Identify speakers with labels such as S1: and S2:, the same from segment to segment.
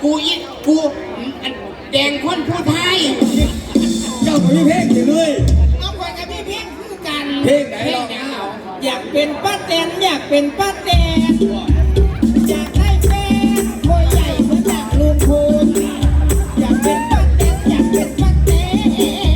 S1: กูแดงคนผู้ไทย
S2: เจ้ามีเพลงอยู่เลย
S1: เอาไปกับพี่เพียงคือกัน
S2: เพลงไหนเรา
S1: อยากเป็นป้าแตนอยากเป็นป้าแตนอยากได้แฟนตัวใหญ่เหมือนจากลุงพลอยากเป็นป้าแตนอยากเป็นป้าแตน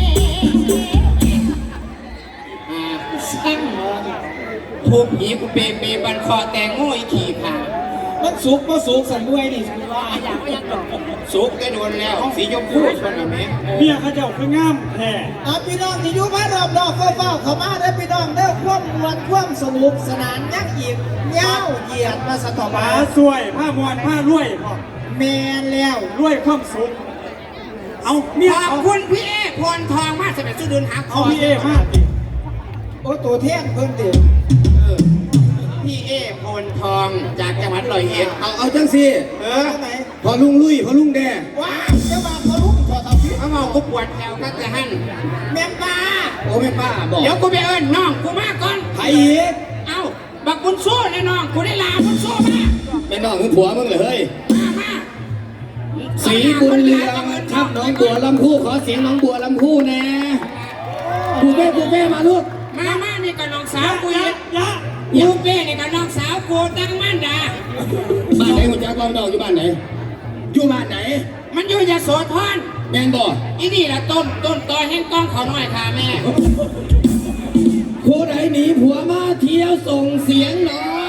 S1: ช่างทุบหีกูเปบันคอแตงโง่อีขี่ผ่ามันสุกมาสุกสันด้วยนี่สันว่าอยากก็ยังสุกได้โดนแล้วสีชมพูชนแบบนี้
S3: เมียเขาเจ้าคืองามแท้
S1: พี่น้องที่อยู่บ้านรอบๆเฝ้าเข้ามาได้พี่น้องได้ความมวลความสนุกสนานยักษ์ยิบเย้าเหยียดมาสตอมา
S3: สวยผ้ามวนผ้ารวย
S1: แมนแล้ว
S3: รวยความสุขเอาเมีย
S1: ขอบคุณพี่เอพรทองมากสำหรับซื้อเดินหา
S3: เอาพี่เอมาก
S1: โอ้ตัวเท่งเพิ่นเดียวพี่เอพรทองจากจังหวัดร้อยเอ็ด
S2: เอาจังสิ
S1: ไหน
S2: พอลุงลุยพอลุงแดง
S1: ว้าวจะมาพอลุงขอทำพี่เขาเอากูปวดแถวก็จะหั่นแม่ป้า
S2: โอ้แม่ป้าบอก
S1: เดี๋ยวกูไปเอิ้นน้องกูมาก่อน
S2: ไผ่อีก
S1: เอ้าบักบุญสู้เลยน้องกูได้ลาบุญสู้มา
S2: เป็นน้องคือผัวมึงเลยเฮ้ย
S1: มา
S2: สีบุญเรืองทับน้องบัวลำพูขอเสียงน้องบัวลำพูแน่ปูเป้มาลูก
S1: มานี่กับน้องสาวกูยูเป้นี่กับน้องสาวกูตั้งมั่นด่า
S2: บ้านไหนหัวใจกองดอกอยู่บ้านไหนอยู่บ้านไหน
S1: มันอยู่ยโสธร
S2: แม่นบ่
S1: อีนี่แหละต้นตอแห่งกองเขาหน่อยค่ะแม่
S2: ผู้ใดหนีผัวมาเที่ยวส่งเสียงหน่อย